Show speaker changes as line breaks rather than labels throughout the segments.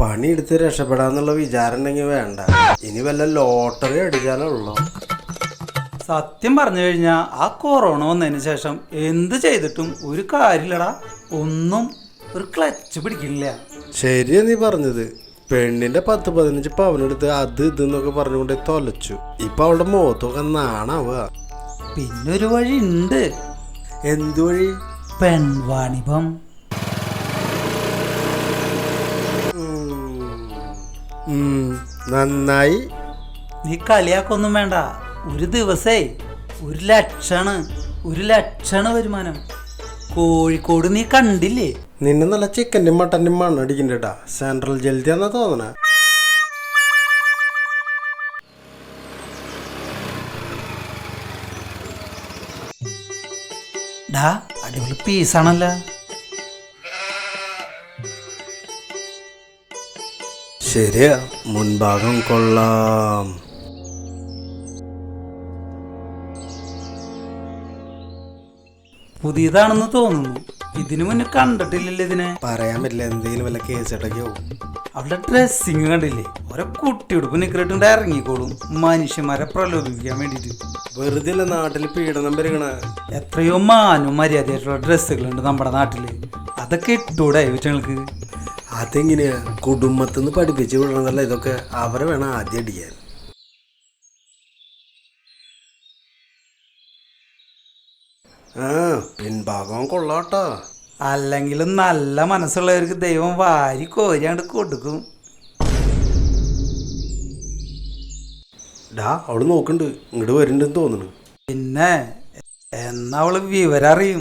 പണിയെടുത്ത് രക്ഷപ്പെടാന്നുള്ള വിചാരം ഉണ്ടെങ്കിൽ വേണ്ട. ഇനി വല്ല ലോട്ടറി അടിച്ചാലുള്ളൂ.
സത്യം പറഞ്ഞു കഴിഞ്ഞാൽ ആ കൊറോണ വന്നതിന് ശേഷം എന്ത് ചെയ്തിട്ടും ഒരു കാര്യമില്ലടാ. ഒന്നും ഒരു ക്ലച്ച് പിടിക്കില്ല.
ശരിയാ നീ പറഞ്ഞത്. പെണ്ണിന്റെ 10-15 പവനെടുത്ത് അത് ഇതെന്നൊക്കെ പറഞ്ഞുകൊണ്ട് തൊലച്ചു. ഇപ്പൊ അവളുടെ മുഖത്തൊക്കെ നാണാവുക.
പിന്നൊരു വഴി ഉണ്ട്.
എന്തു വഴി?
പെൺവാണിഭം.
നന്നായി.
നീ കളിയാക്കൊന്നും വേണ്ട. ഒരു ദിവസേ 1,00,000 വരുമാനം. കോഴിക്കോട് നീ കണ്ടില്ലേ?
നിന്നെ നല്ല ചിക്കൻ്റെയും മട്ടൻ്റെയും മണ്ണടിക്കണ്ടേട്ടാ. സെൻട്രൽ ജലദിയാന്നാ തോന്നണേ.
ഡാ അടിപൊളി പീസാണല്ലോ.
ശരിയാ, മുൻഭാഗം കൊള്ളാം.
പുതിയതാണെന്ന് തോന്നുന്നു. ഇതിനു മുന്നേ കണ്ടിട്ടില്ലല്ലോ ഇതിനെ.
പറയാൻ പറ്റില്ല, എന്തെങ്കിലും വല്ല കേസിട്ടൊക്കെയോ.
അവളുടെ ഡ്രസ്സിങ് കണ്ടില്ലേ? ഓരോ കുട്ടിയുടുപ്പ് നിക്കറിട്ടുണ്ട് ഇറങ്ങിക്കോളും മനുഷ്യന്മാരെ പ്രലോഭിപ്പിക്കാൻ വേണ്ടിട്ട്.
വെറുതെ അല്ല നാട്ടിൽ പീഡനം പെരുകണ.
എത്രയോ മാനും മര്യാദയായിട്ടുള്ള ഡ്രസ്സുകളുണ്ട് നമ്മുടെ നാട്ടില്. അതൊക്കെ ഇട്ടൂടെ ഇവറ്റങ്ങൾക്ക്?
അതെങ്ങനെയാ? കുടുംബത്തിൽ നിന്ന് പഠിപ്പിച്ച് വിടണതല്ല ഇതൊക്കെ. അവരെ വേണം ആദ്യം അടിക്കാൻ. പിൻഭാഗം കൊള്ളാട്ടോ.
അല്ലെങ്കിലും നല്ല മനസ്സുള്ളവർക്ക് ദൈവം വാരി കോരിയാണ്ട് കൊടുക്കും.
ഡാ അവള് നോക്കണ്ട്, ഇങ്ങോട്ട് വരുന്നുണ്ടെന്ന് തോന്നുന്നു.
പിന്നെ എന്നാ അവള് വിവരം അറിയും.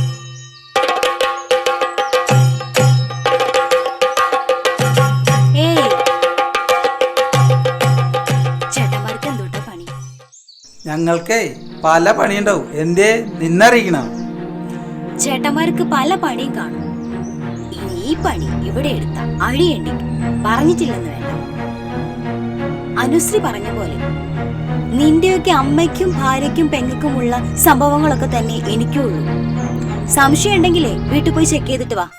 ഞങ്ങൾക്കേ പല പണിയുണ്ടാവും. എന്തേ നിന്നറിയിക്കണം?
ചേട്ടന്മാർക്ക് പല പണിയും കാണും. ഇനി ഈ പണി ഇവിടെ എടുത്ത അഴിയണ്ടി പറഞ്ഞിട്ടില്ലെന്ന് വേണ്ട. അനുശ്രീ പറഞ്ഞ പോലെ നിന്റെയൊക്കെ അമ്മയ്ക്കും ഭാര്യയ്ക്കും പെങ്ങൾക്കുമുള്ള സംഭവങ്ങളൊക്കെ തന്നെ എനിക്കുള്ളൂ. സംശയം ഉണ്ടെങ്കിലേ വീട്ടിൽ പോയി ചെക്ക് ചെയ്തിട്ട് വാ.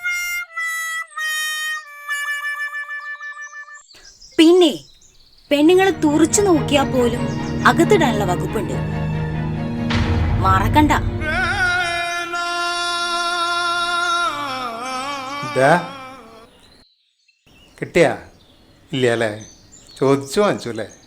പിന്നെ പെണ്ണുങ്ങളെ തുറച്ചു നോക്കിയാൽ പോലും അകത്തിടാനുള്ള വകുപ്പുണ്ട്, മറക്കണ്ട.
കിട്ടിയാ? ഇല്ല അല്ലേ? ചോദിച്ചു വാങ്ങിച്ചു അല്ലേ?